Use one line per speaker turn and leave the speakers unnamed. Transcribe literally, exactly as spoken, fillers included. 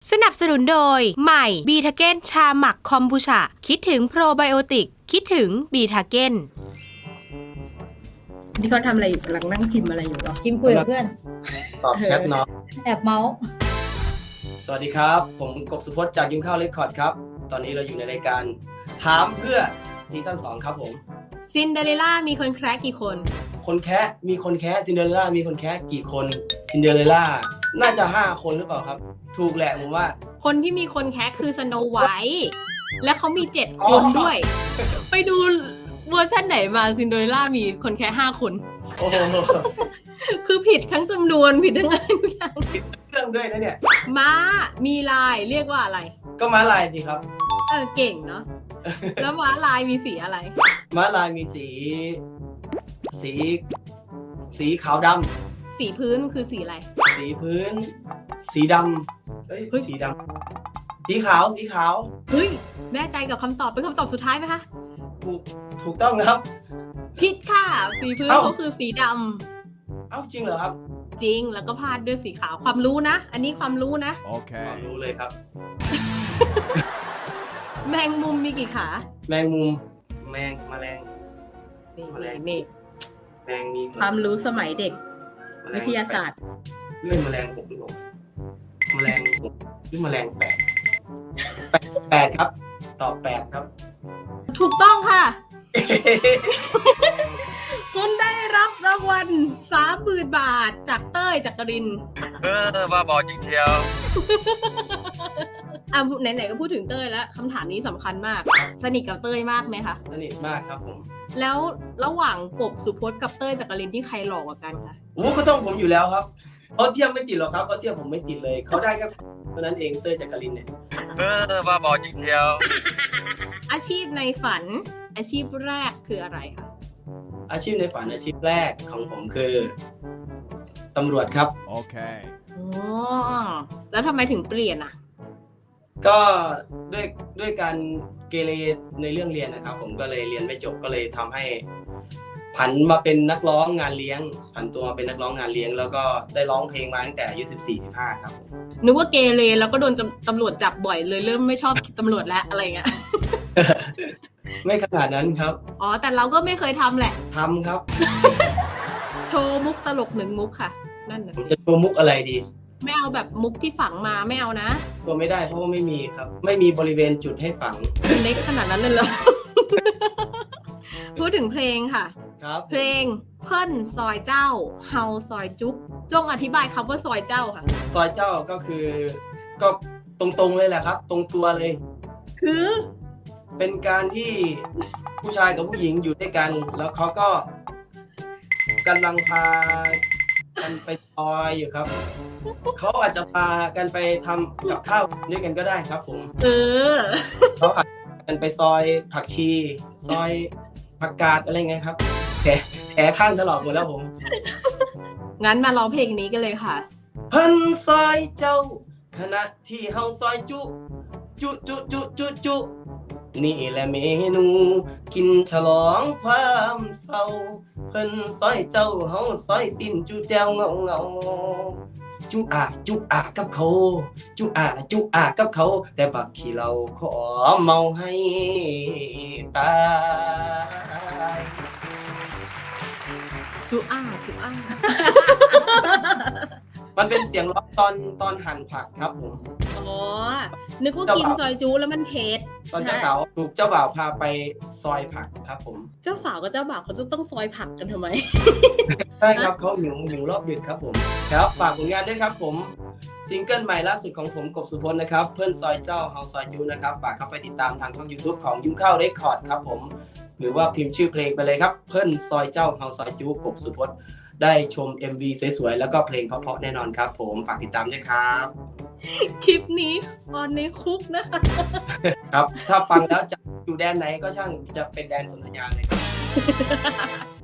สนับสนุนโดยใหม่บีทาเก้นชาหมักคอมบูชาคิดถึงโปรไบโอติกคิดถึงบีทาเก้นนี่เขาทำอะไรอยู่กำลังนั่งพิมพ์อะไรอยู่หรอ
พิมพ์คุยกับเพื่อน
ตอบแชทเนาะ
แอบเมาส์
สวัสดีครับผมกบสุพจน์จากยุ้งข้าวเรคคอร์ดครับตอนนี้เราอยู่ในรายการถามเพื่อซีซั่นสองครับผม
ซินเดอเรลล่ามีคนแคร์กี่คน
คนแคะมีคนแคะซินเดอเรลล่ามีคนแคะกี่คนซินเดอเรลล่าน่าจะห้าคนหรือเปล่าครับถูกแหละผมว่า
คนที่มีคนแคร์คือสโนว์ไวท์และเขามีเจ็ดคนด้วย ไปดูเวอร์ชันไหนมาซินเดอเรลล่ามีคนแคร์ห้าคน
โอ้โห
คือผิดทั้งจำนวนผิดทั้งอะไรทุกอย่าง
ผิดเรื่องด้วยนะเนี่ย
ม้ามีลายเรียกว่าอะไร
ก็ม้าลายสิครับ
เออเก่งเนาะแล้วม้าลายมีสีอะไร
ม้าลายมีสีสีสีขาวดำ
สีพื้นคือสีอะไร
สีพื้นสีดำเอ้ยสีดำสีขาวสีขาว
เฮ้ยแน่ใจกับคำตอบเป็นคำตอบสุดท้ายไหมคะ
ถูกถูกต้องครับ
ผิดค่ะสีพื้นเขาคือสีด
ำเอ้าจริงเหรอครับ
จริงแล้วก็พาดด้วยสีขาวความรู้นะอันนี้ความรู้นะ
โอเคความรู้เลยครับ
แมงมุมมีกี่ขา
แมงมุมแมงแมลง
แมลงนี่
แมงมี
ความรู้สมัยเด็กวิทยาศาสตร์
เรื่องแมลงหกหรือเปล่าแมลงหกหรือแมลงแปดแปดครับตอบแปดครับ
ถูกต้องค่ะ คุณได้รับรางวัลสามหมื่นบาทจากเต้ยจักรินทร์
เออว่าบอกจริงเชียว
อ่ะไหนๆก็พูดถึงเต้ยแล้วคำถามนี้สำคัญมากสนิทกับเต้ยมากไหมคะ
สนิทมากครับผม
แล้วระหว่างกบสุพจน์กับเต้ยจักรินทร์ที่ใครหล่อกว่ากันคะ
โอ้ก็ต้องผมอยู่แล้วครับเขาเทียบไม่ติดหรอกครับเขาเทียบผมไม่ติดเลยเขาได้แค่เท่านั้นเองเต้ยจักรินทร์เนี่ย
เออว่าบอกจริงเชียว
อาชีพในฝันอาชีพแรกคืออะไรคะ
อาชีพในฝันอาชีพแรกของผมคือตำรวจครับ
โอเค
อ๋อแล้วทำไมถึงเปลี่ยนอ่ะ
ก็ด้วยด้วยการเกเรในเรื่องเรียนนะครับผมก็เลยเรียนไม่จบก็เลยทำให้ผันมาเป็นนักร้องงานเลี้ยงผันตัวมาเป็นนักร้องงานเลี้ยงแล้วก็ได้ร้องเพลงมาตั้งแต่อายุสิบสี่ สิบห้าครับ
นึกว่าเกเรแล้วก็โดนตำรวจจับบ่อยเลยเริ่มไม่ชอบตำรวจแล้วอะไรเงี้ย
ไม่ขนาดนั้นครับ
อ๋อแต่เราก็ไม่เคยทำแหละ
ทำครับ
โชว์มุกตลกหนึ่งมุกค่ะนั่นนะ
จะโชว์มุกอะไรดี
ไม่เอาแบบมุกที่ฝังมาไม่เอานะ
ก็ไม่ได้เพราะว่าไม่มีครับไม่มีบริเวณจุดให้ฝัง
เล็กขนาดนั้นเลยเหรอ พูดถึงเพลงค่ะ
ครับ
เพลงเพิ่นซอยเจ้าเฮาซอยจุ๊บจงอธิบายคำว่าซอยเจ้าค่ะ
ซอยเจ้าก็คือก็ตรงๆเลยแหละครับตรงตัวเลย
คือ
เป็นการที่ผู้ชายกับผู้หญิงอยู่ด้วยกันแล้วเขาก็กำลังพากันไปซอยอยู่ครับเขาอาจจะพากันไปทำกับข้าวด้วยกันก็ได้ครับผม
เออ
เขาอาจจะกันไปซอยผักชีซอยผักกาดอะไรเงี้ยครับแผลแผลข้างถลอกหมดแล้วผม
งั้นมาร้องเพลงนี้กันเลยค่ะ
เพิ่นซอยเจ้าขณะที่เฮาซอยจุจุจุจุจุจุนี่แหละเมนูกินฉลองความเศร้าเพิ่นซอยเจ้าเฮาซอยสิ้นจุแจวเงาเงาจุอาจุอากับเขาจุอาจุอากับเขาแต่บักขี้เราขอเมาให้ตาย
จุอาจุอา
มันเป็นเสียงร้องตอนตอนหั่นผักครับผม
อ๋อนึกว่ากินซอยจูแล้วมันเผ็ด
ตอนเจ้าสาวถูกเจ้าบ่าวพาไปซอยผักครับผม
เจ้าสาวกับเจ้าบ่าวเขาจะต้องซอยผักกันทำไม
ใช่ครับเขาหิวหิวรอบดึกครับผมครับฝากผลงานด้วยครับผมซิงเกิลใหม่ล่าสุดของผมกบสุพจน์นะครับเพื่อนซอยเจ้าเฮาซอยจูนะครับฝากเข้าไปติดตามทางช่อง YouTube ของยุ้งข้าวเรคคอร์ดครับผมหรือว่าพิมพ์ชื่อเพลงไปเลยครับเพื่อนซอยเจ้าเฮาซอยจูกบสุพจน์ได้ชม เอ็ม วี สวยๆแล้วก็เพลงเพราะๆแน่นอนครับผมฝากติดตามด้วยครับ
คลิปนี้ตอนในคุกนะคะ
ครับถ้าฟังแล้วจะอยู่แดนไหนก็ช่างจะเป็นแดนสนธยาเลย